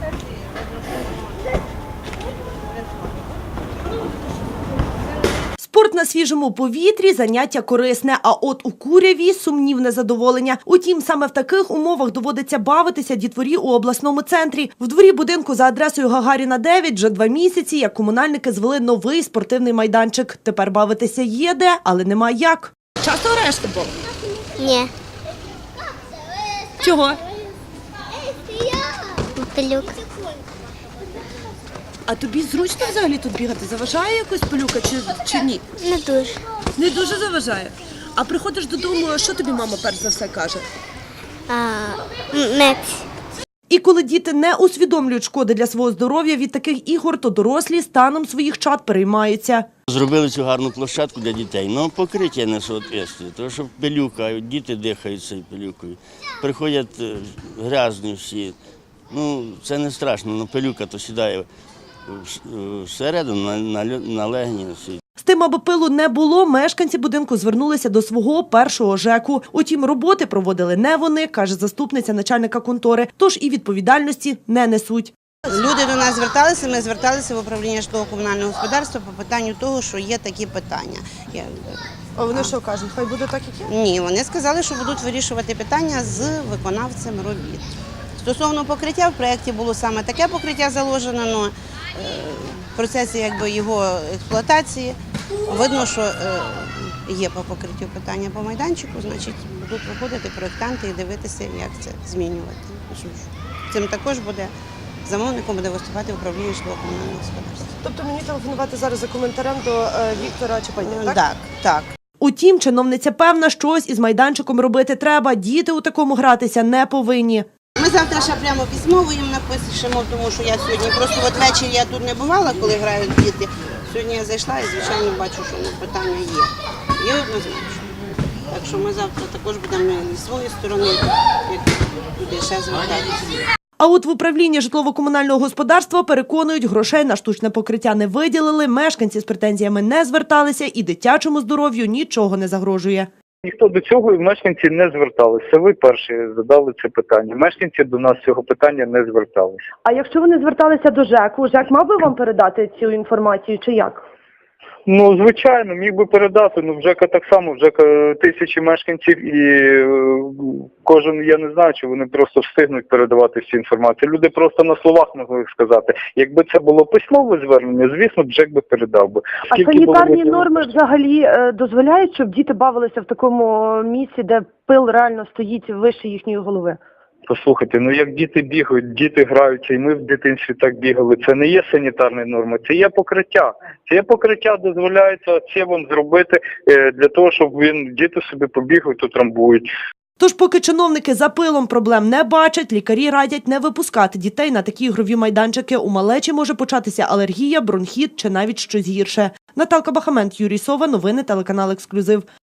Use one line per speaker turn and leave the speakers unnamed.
Спорт на свіжому повітрі – заняття корисне, а от у Куряві – сумнівне задоволення. Утім, саме в таких умовах доводиться бавитися дітворі у обласному центрі. В дворі будинку за адресою Гагаріна, 9 вже 2 місяці, як комунальники звели новий спортивний майданчик. Тепер бавитися є де, але нема як. Часто граєш в футбол?
Ні.
Чого?
Пилюк.
А тобі зручно взагалі тут бігати? Заважає якось пилюка чи ні?
Не дуже.
Не дуже заважає. А приходиш додому, що тобі мама перш за все каже?
Мець.
І коли діти не усвідомлюють шкоди для свого здоров'я від таких ігор, то дорослі станом своїх чад переймаються.
Зробили цю гарну площадку для дітей, але покриття не соответствує, тому що пилюка, діти дихають цією пилюкою. Приходять грязні всі. Ну, це не страшно, але пилюка то сідає всередину на легені.
З тим, аби пилу не було, мешканці будинку звернулися до свого першого ЖЕКу. Утім, роботи проводили не вони, каже заступниця начальника контори, тож і відповідальності не несуть.
Люди до нас зверталися, ми зверталися в управління житлово-комунального господарства по питанню того, що є такі питання.
А вони що кажуть, хай буде так, як є?
Ні, вони сказали, що будуть вирішувати питання з виконавцем робіт. Стосовно покриття, в проєкті було саме таке покриття заложено, але в процесі його експлуатації видно, що є по покриттю питання по майданчику, значить будуть виходити проєктанти і дивитися, як це змінювати. Цим також буде замовником буде виступати управління житлово-комунального господарства.
Тобто мені телефонувати зараз за коментарем до Віктора Чепаня,
так? Так.
Утім, чиновниця певна, щось із майданчиком робити треба. Діти у такому гратися не повинні.
Ми завтра ще прямо письмово їм напишемо, тому що я сьогодні просто ввечері я тут не бувала, коли грають діти. Сьогодні я зайшла і, звичайно, бачу, що питання є. Є однозначно. Так що ми завтра також будемо зі своєї сторони, як туди ще звертатися.
А от в управлінні житлово-комунального господарства переконують, грошей на штучне покриття не виділили, мешканці з претензіями не зверталися і дитячому здоров'ю нічого не загрожує.
Ніхто до цього і мешканці не зверталися. Ви перші задали це питання. Мешканці до нас цього питання не зверталися.
А якщо вони зверталися до ЖЕКу, ЖЕК мав би вам передати цю інформацію чи як?
Ну, звичайно, міг би передати. Ну, в ЖЕКа так само, в ЖЕКа тисячі мешканців і кожен, я не знаю, чи вони просто встигнуть передавати всю інформацію. Люди просто на словах могли сказати. Якби це було письмове звернення, звісно, б ЖЕК би передав би.
А санітарні норми взагалі дозволяють, щоб діти бавилися в такому місці, де пил реально стоїть вище їхньої голови?
Послухайте, ну як діти бігають, діти граються, і ми в дитинстві так бігали. Це не є санітарні норми, це є покриття. Це покриття дозволяється це вам зробити для того, щоб діти собі побігають, утрамбують.
Тож поки чиновники за пилом проблем не бачать, лікарі радять не випускати дітей на такі ігрові майданчики. У малечі може початися алергія, бронхіт чи навіть щось гірше. Наталка Бахамент, Юрій Сова, новини телеканал «Ексклюзив».